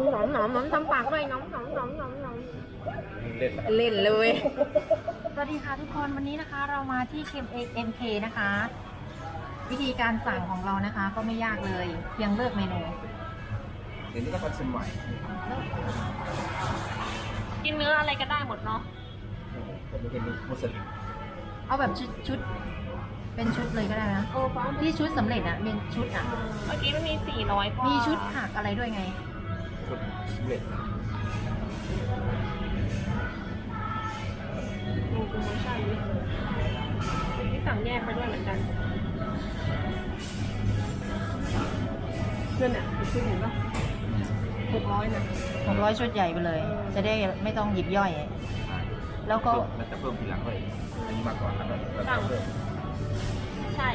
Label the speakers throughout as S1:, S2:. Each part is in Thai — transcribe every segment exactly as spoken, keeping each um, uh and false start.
S1: องหนอมหนอมหนอมทำปากด้วยน้องหนอมหนอมหนอมหนอม
S2: เล่น
S1: เล่นเลย
S3: สวัสดีค่ะทุกคนวันนี้นะคะเรามาที่เค เอ็ม เค นะคะ วิธีการสั่งของเรานะคะก็ไม่ยากเลยเพียงเลือกเมนู
S2: เดี๋ยวนี้ก็ทันสมัย
S1: กินเนื้ออะไรก็ได้หมดเนาะ
S2: ผมไม่เป็นมุสลิม
S3: เอาแบบชุดชุดเป็นชุดเลยก็ได้นะ
S1: โอ้ฟ้า
S3: ที่ชุดสำเร็จอะเป็นชุดอะ
S1: เมื่อกี้มันมีสี่ร้อยกว่า
S3: มีชุดผักอะไรด้วยไง
S2: ชุดสำเร็จ
S1: ดูโปรโมชั่นที่สั่งแยกไปด้วยเหมือนกันเพื่อนอ่ะไปซื้อเห็นปะหกร้อยนะ
S3: หกร้อยชุดใหญ่ไปเลย จะได้ไม่ต้องหยิบย่อย แล้วก็
S2: มันจะเพิ่มทีหลังเลยอันนี้มาก่อนแล้วก็เพิ่ม
S1: ใช่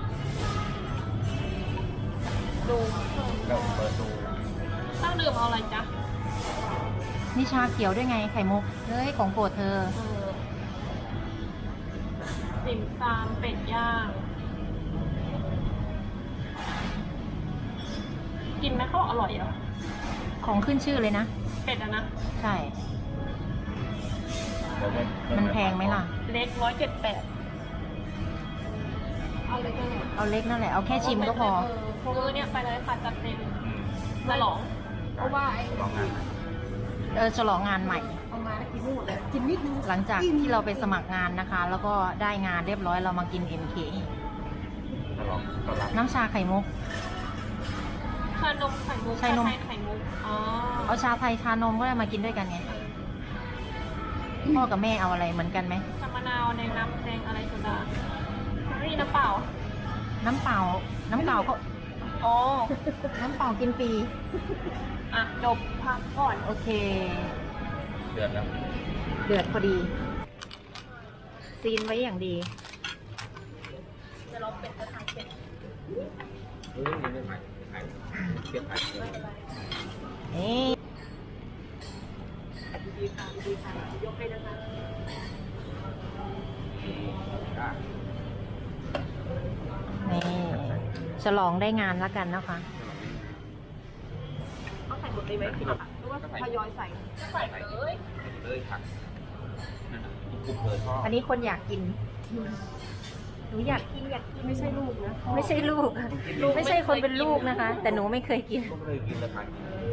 S1: ดูเพิ่ม
S2: แล้วเปิดดู
S1: ตั้งดื่มเอาอะไรจ๊ะ
S3: นี่ชาเขียวด้วยไงไข่มุกเฮ้ยของโปรดเธอ
S1: เออติ่มซำเป็ดย่างกินไหมเขาบอกอร่อยเหรอ
S3: ของขึ้นชื่อเลยนะ
S1: เป็ดอะนะ
S3: ใช่ มันแพงไหมล่ะ
S1: เล็กร้อยเจ็ดแปดเอาเล็กก็ได้
S3: เอาเล็กนั่นแหละ เอาแค่ชิมก็พอ
S1: เออเนี่ยไปเลยค่ะจัดเต็มฉลองเพราะว่าไอ้
S2: ลองงาน
S3: เออฉลองงานใหม่
S1: เอามาแล้วกินไม่หมดเลยกินนิดนึง
S3: หลังจากที่เราไปสมัครงานนะคะ แล้วก็ได้งานเรียบร้อยเรามากิน เอ็ม เค
S2: ถ้าลองก็รับ
S3: น้ำชาไข่มุก
S1: ชานมไข่มุก
S3: ชานม
S1: ไข่ไข่มุกอ๋อ
S3: เอาชาไทยชานมก็ได้มากินด้วยกันไงพ่อกับแม่เอาอะไรเหมือนกันไหม
S1: ชามะนาวแดงน้ำแดงอะไรโซดาไม่มีน้ำเปล่า
S3: น้ำเปล่า น้ำเปล่าก็
S1: อ๋อ
S3: น้ำเปล่ากินฟรี
S1: อ่ะจบพักก่อน
S3: โอเค
S2: เดือนแล้ว
S3: เดือดพอดี ซีนไว้อย่างดี
S1: จะลองเป็ดจะทำเป็ด
S2: เฮ้ยนี่ไม่ใหม่ขายเทียบขายเลย
S3: นี่
S1: ดีค่ะดีค่ะยกให้นะคะ
S3: นี่ฉลองได้งานแล้วกันนะคะ
S1: ต้องใส่หมดเลยไหมพี่หรือว่าทยอยใส่ใส่เลย
S2: เลยผักนั่นน่ะกุ๊บเลยพ่อ
S3: อันนี้คนอยากกิน หนูอยากกินอยากกิน
S1: ไม่ใช่ลูกนะ
S3: ไม่ใช่ลูก ไม่ใช่คนเป็นลูกนะคะ แต่หนูไม่เคยกิน
S2: ก็เลยกินแล้วทาน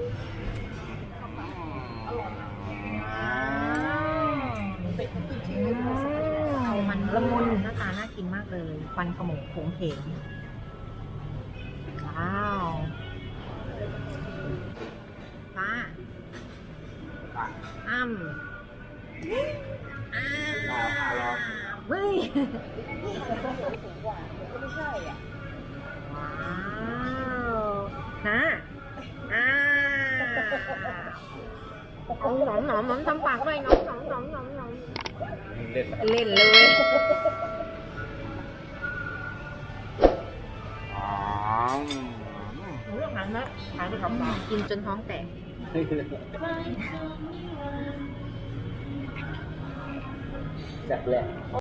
S3: มันละมุนหน้าตาน่ากินมากเลยควันขโมงโผงเพงว้าวป้าอ้ำอ้าเฮ้ยว้าวนะอ่าเอาหนอมหนอมหนอมทำปากด้วยน้องหนอมหนอมหนอมหนอม
S2: เล่น
S3: เล่นเลย
S2: อ๋อ
S3: หนูหันนะหันไปกับกินจนท้องแตก
S2: แซ่บแหละ